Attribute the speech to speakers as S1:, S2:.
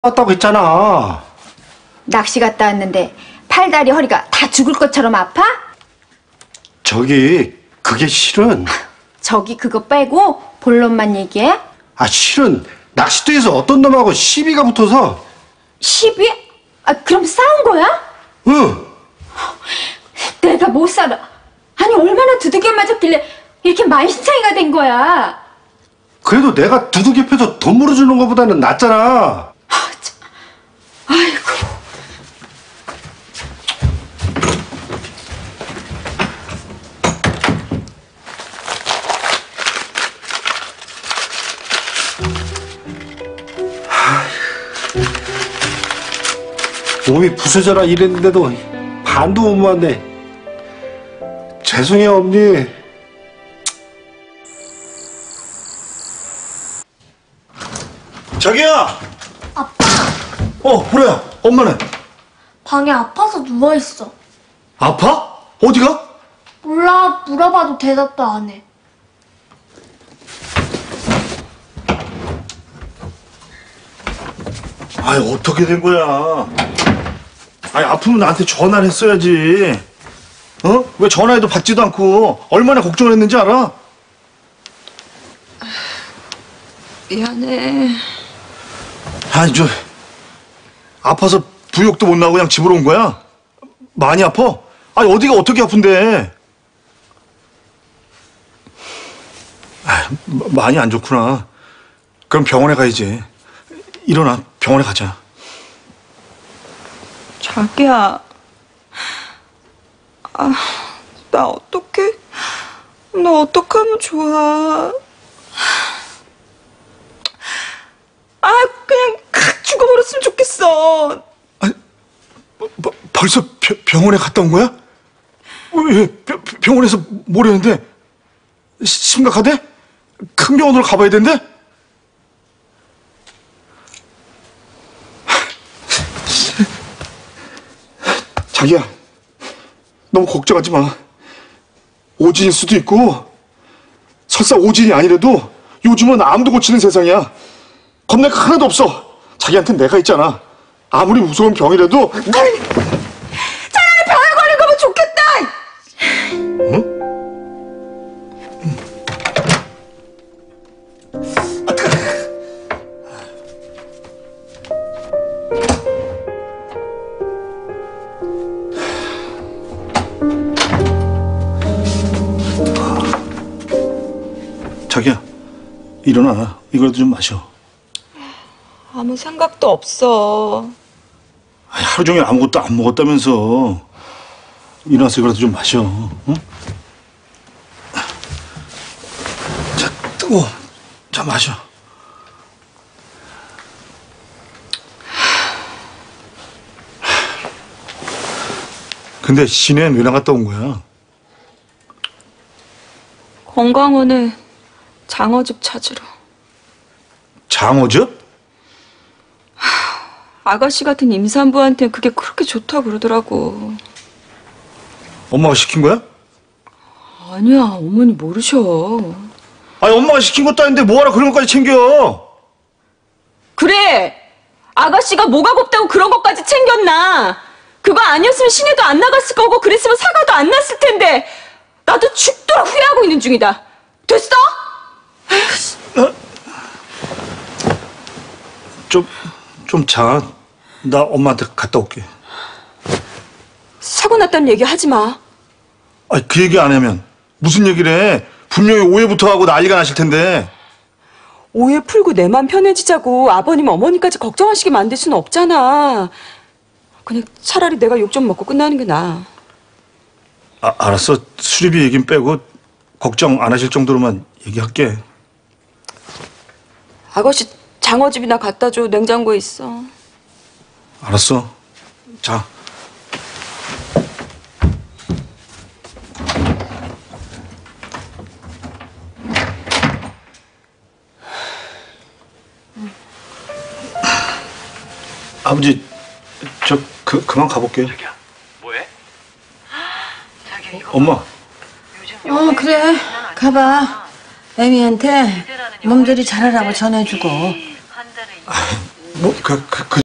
S1: 왔다고 했잖아.
S2: 낚시 갔다 왔는데 팔다리 허리가 다 죽을 것처럼 아파?
S1: 저기 그게 실은
S2: 저기 그거 빼고 본론만 얘기해.
S1: 실은 낚싯대에서 어떤 놈하고 시비가 붙어서.
S2: 시비? 그럼 싸운 거야?
S1: 응.
S2: 내가 못 살아. 아니 얼마나 두들겨 맞았길래 이렇게 만신창이가 된 거야.
S1: 그래도 내가 두둑이 펴서 돈 물어주는 것보다는 낫잖아.
S2: 아이고.
S1: 몸이 부서져라 이랬는데도 반도 못 모았네. 죄송해요 엄니. 자기야.
S3: 아빠,
S1: 보라야. 엄마는?
S3: 방에 아파서 누워있어.
S1: 아파? 어디가?
S3: 몰라, 물어봐도 대답도 안 해.
S4: 어떻게 된 거야? 아프면 나한테 전화를 했어야지. 왜 전화해도 받지도 않고 얼마나 걱정을 했는지 알아?
S5: 미안해.
S4: 아파서 부욕도 못 나고 그냥 집으로 온 거야? 많이 아파? 어디가 어떻게 아픈데? 많이 안 좋구나. 그럼 병원에 가야지. 일어나, 병원에 가자.
S5: 자기야. 나 어떡해? 나 어떡하면 좋아? 그냥 죽어버렸으면 좋겠어.
S4: 벌써 병원에 갔다 온 거야? 왜? 병원에서 뭐라는데? 심각하대? 큰 병원으로 가봐야 된대? 자기야, 너무 걱정하지 마. 오진일 수도 있고 설사 오진이 아니라도 요즘은 암도 고치는 세상이야. 겁낼 거 하나도 없어. 자기한텐 내가 있잖아. 아무리 무서운 병이라도.
S5: 차라리 병에 걸린 거면 좋겠다.
S4: 응? 자기야, 일어나. 이거라도 좀 마셔.
S5: 아무 생각도 없어.
S4: 하루 종일 아무것도 안 먹었다면서. 일어나서 이거라도 좀 마셔. 응? 자, 뜨거워. 자, 마셔. 근데 시내엔 왜 나갔다 온 거야?
S5: 건강원에 장어즙 찾으러.
S4: 장어즙?
S5: 아가씨 같은 임산부한테는 그게 그렇게 좋다고 그러더라고.
S4: 엄마가 시킨 거야?
S5: 아니야, 어머니 모르셔.
S4: 엄마가 시킨 것도 아닌데 뭐하러 그런 것까지 챙겨?
S5: 그래! 아가씨가 뭐가 곱다고 그런 것까지 챙겼나? 그거 아니었으면 시내도 안 나갔을 거고 그랬으면 사과도 안 났을 텐데 나도 죽도록 후회하고 있는 중이다. 됐어?
S4: 좀 자. 나 엄마한테 갔다 올게.
S5: 사고 났다는 얘기 하지 마.
S4: 그 얘기 안 하면 무슨 얘기를 해? 분명히 오해부터 하고 난리가 나실 텐데.
S5: 오해 풀고 내 맘 편해지자고 아버님 어머니까지 걱정하시게 만들 수는 없잖아. 그냥 차라리 내가 욕 좀 먹고 끝나는 게 나아.
S4: 알았어. 수리비 얘긴 빼고 걱정 안 하실 정도로만 얘기할게.
S5: 아가씨 장어즙이나 갖다 줘. 냉장고에 있어.
S4: 알았어. 자. 아버지, 그만 가볼게요.
S6: 자기야, 뭐해?
S4: 엄마.
S7: 그래. 가봐. 애미한테 몸조리 잘하라고 전해주고.
S4: 뭐, 그